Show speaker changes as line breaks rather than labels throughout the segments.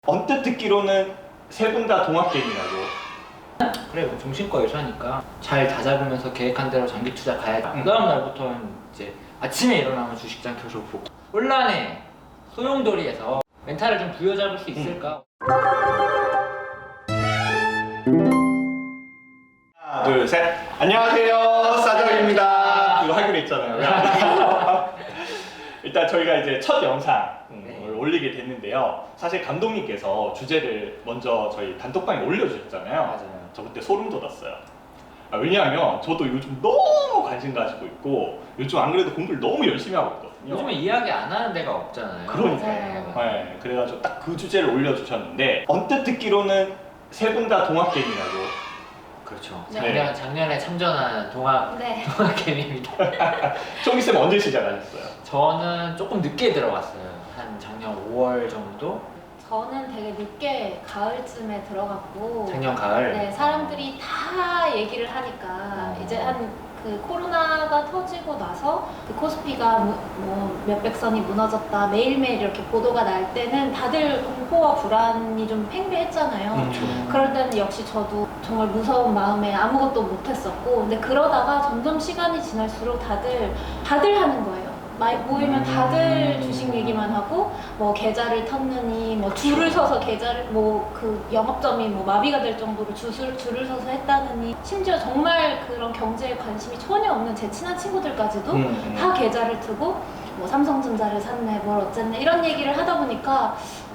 언뜻 듣기로는 세 분 다 동학개미라고.
그래, 뭐 정신과 의사니까 잘 다잡으면서 계획한 대로 장기 투자 가야지. 그 다음 날부터는 이제 아침에 일어나면 주식장 계속 보고 혼란의 소용돌이에서 멘탈을 좀 부여잡을 수 있을까?
하나, 둘, 셋. 안녕하세요, 싸정입니다. 이거 하기로 했잖아요. 일단 저희가 이제 첫 영상을 올리게 됐는데요. 사실 감독님께서 주제를 먼저 저희 단톡방에 올려주셨잖아요.
맞아요.
저 그때 소름 돋았어요. 왜냐하면 저도 요즘 너무 관심 가지고 있고 요즘 안 그래도 공부를 너무 열심히 하고 있거든요.
요즘에 이야기 안 하는 데가 없잖아요.
그러니까요. 네, 그래가지고 딱 그 주제를 올려주셨는데 언뜻 듣기로는 세 분 다 동학개미라고.
그렇죠.
네.
작년에 참전한 동학개미입니다.
총기쌤 언제 시작하셨어요?
저는 조금 늦게 들어갔어요. 한 작년 5월 정도?
저는 되게 늦게 가을쯤에 들어갔고
작년 가을?
네, 사람들이 다 얘기를 하니까 이제 한 그 코로나가 터지고 나서 그 코스피가 뭐 몇백 선이 무너졌다 매일매일 이렇게 보도가 날 때는 다들 공포와 불안이 좀 팽배했잖아요. 그럴 때는 역시 저도 정말 무서운 마음에 아무것도 못했었고 근데 그러다가 점점 시간이 지날수록 다들 하는 거예요. 모이면 다들 주식 얘기만 하고 뭐 계좌를 텄느니 뭐 줄을 서서 계좌를 뭐 그 영업점이 뭐 마비가 될 정도로 줄을 서서 했다느니 심지어 정말 그런 경제에 관심이 전혀 없는 제 친한 친구들까지도 다 계좌를 트고 뭐 삼성전자를 샀네 뭘 어쨌네 이런 얘기를 하다 보니까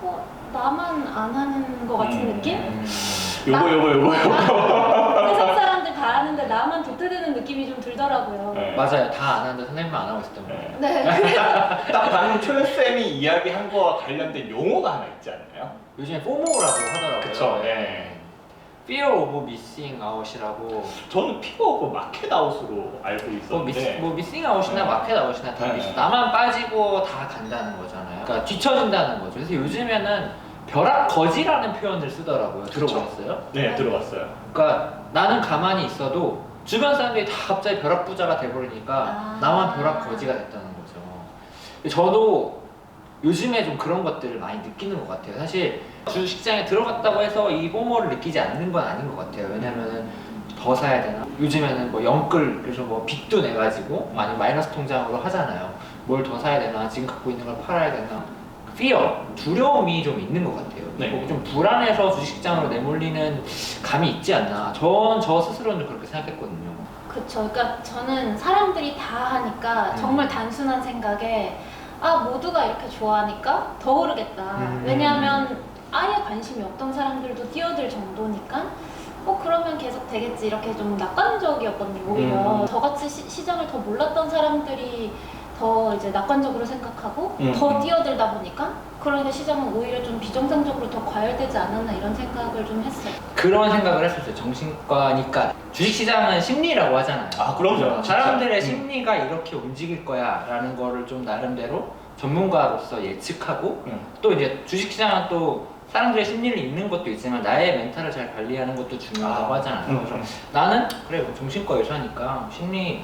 나만 안 하는 것 같은 느낌?
요거
세상 사람들 다 하는데 나만 도태되는 느낌이 좀 들더라고요.
네.
맞아요. 다 안 하는데 선생님만 안 하고 있었던 거예요.
네.
딱 방금 초연쌤이 이야기한 거와 관련된 용어가 하나 있지 않나요?
요즘에 포모라고 하더라고요.
그쵸, 네.
Fear of Missing Out이라고.
저는 피버 오브 마켓 아웃으로 알고 있었는데
미싱 아웃이나
네.
마켓 아웃이나 다
네.
나만 빠지고 다 간다는 거잖아요. 그러니까 뒤처진다는 거죠. 그래서 요즘에는 벼락 거지라는 표현을 쓰더라고요. 들어보셨어요?
네, 들어봤어요.
그러니까 나는 가만히 있어도 주변 사람들이 다 갑자기 벼락 부자가 돼버리니까 나만 벼락 거지가 됐다는 거죠. 저도 요즘에 좀 그런 것들을 많이 느끼는 것 같아요. 사실 주식시장에 들어갔다고 해서 이 포모를 느끼지 않는 건 아닌 것 같아요. 왜냐면은 더 사야 되나? 요즘에는 뭐 영끌, 그래서 뭐 빚도 내가지고 아니면 마이너스 통장으로 하잖아요. 뭘 더 사야 되나? 지금 갖고 있는 걸 팔아야 되나? fear, 두려움이 좀 있는 것 같아요.
네.
좀 불안해서 주식시장으로 내몰리는 감이 있지 않나. 저 스스로는 그렇게 생각했거든요.
그쵸. 그러니까 저는 사람들이 다 하니까 정말 단순한 생각에 모두가 이렇게 좋아하니까 더 오르겠다. 왜냐하면 아예 관심이 없던 사람들도 뛰어들 정도니까 그러면 계속 되겠지 이렇게 좀 낙관적이었거든요. 오히려 저같이 시장을 더 몰랐던 사람들이 더 이제 낙관적으로 생각하고 더 뛰어들다 보니까 그러니까 시장은 오히려 좀 비정상적으로 더 과열되지 않았나 이런 생각을 좀 했어요.
그런 생각을 했었어요. 정신과니까 주식시장은 심리라고 하잖아요.
그럼요.
사람들의 심리가 이렇게 움직일 거야 라는 거를 좀 나름대로 전문가로서 예측하고 또 이제 주식시장은 또 사람들의 심리를 읽는 것도 있지만 나의 멘탈을 잘 관리하는 것도 중요하다고 하잖아요. 그래서 나는 그래 정신과 의사니까 심리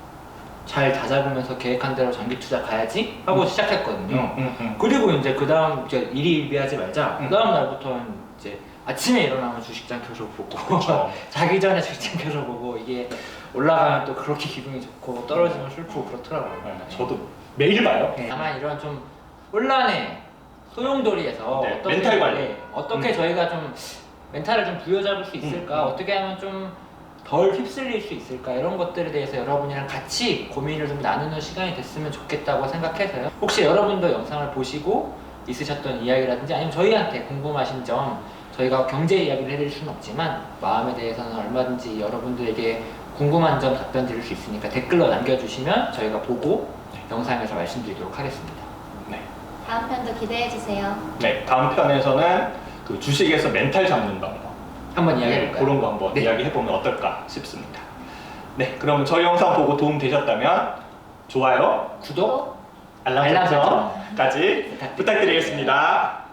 잘 다잡으면서 계획한 대로 장기 투자 가야지 하고 시작했거든요. 그리고 이제 그 다음 이제 일희일비하지 말자. 그 다음 날부터는 이제 아침에 일어나면 주식장 계속 보고 자기 전에 주식장 계속 보고 이게 올라가면 또 그렇게 기분이 좋고 떨어지면 슬프고 그렇더라고요.
저도 매일 봐요.
다만 이런 좀 혼란의 소용돌이에서
멘탈 관리.
어떻게 저희가 좀 멘탈을 좀 부여잡을 수 있을까? 어떻게 하면 좀 덜 휩쓸릴 수 있을까? 이런 것들에 대해서 여러분이랑 같이 고민을 좀 나누는 시간이 됐으면 좋겠다고 생각해서요. 혹시 여러분도 영상을 보시고 있으셨던 이야기라든지 아니면 저희한테 궁금하신 점 저희가 경제 이야기를 해드릴 수는 없지만 마음에 대해서는 얼마든지 여러분들에게 궁금한 점 답변 드릴 수 있으니까 댓글로 남겨주시면 저희가 보고 영상에서 말씀드리도록 하겠습니다.
네.
다음 편도 기대해주세요.
네, 다음 편에서는 그 주식에서 멘탈 잡는 방법
한번 이야기해볼까요?
그런 거 한번 이야기해보면 어떨까 싶습니다. 네, 그럼 저희 영상 보고 도움 되셨다면 좋아요,
구독,
알람 설정까지 부탁드리겠습니다.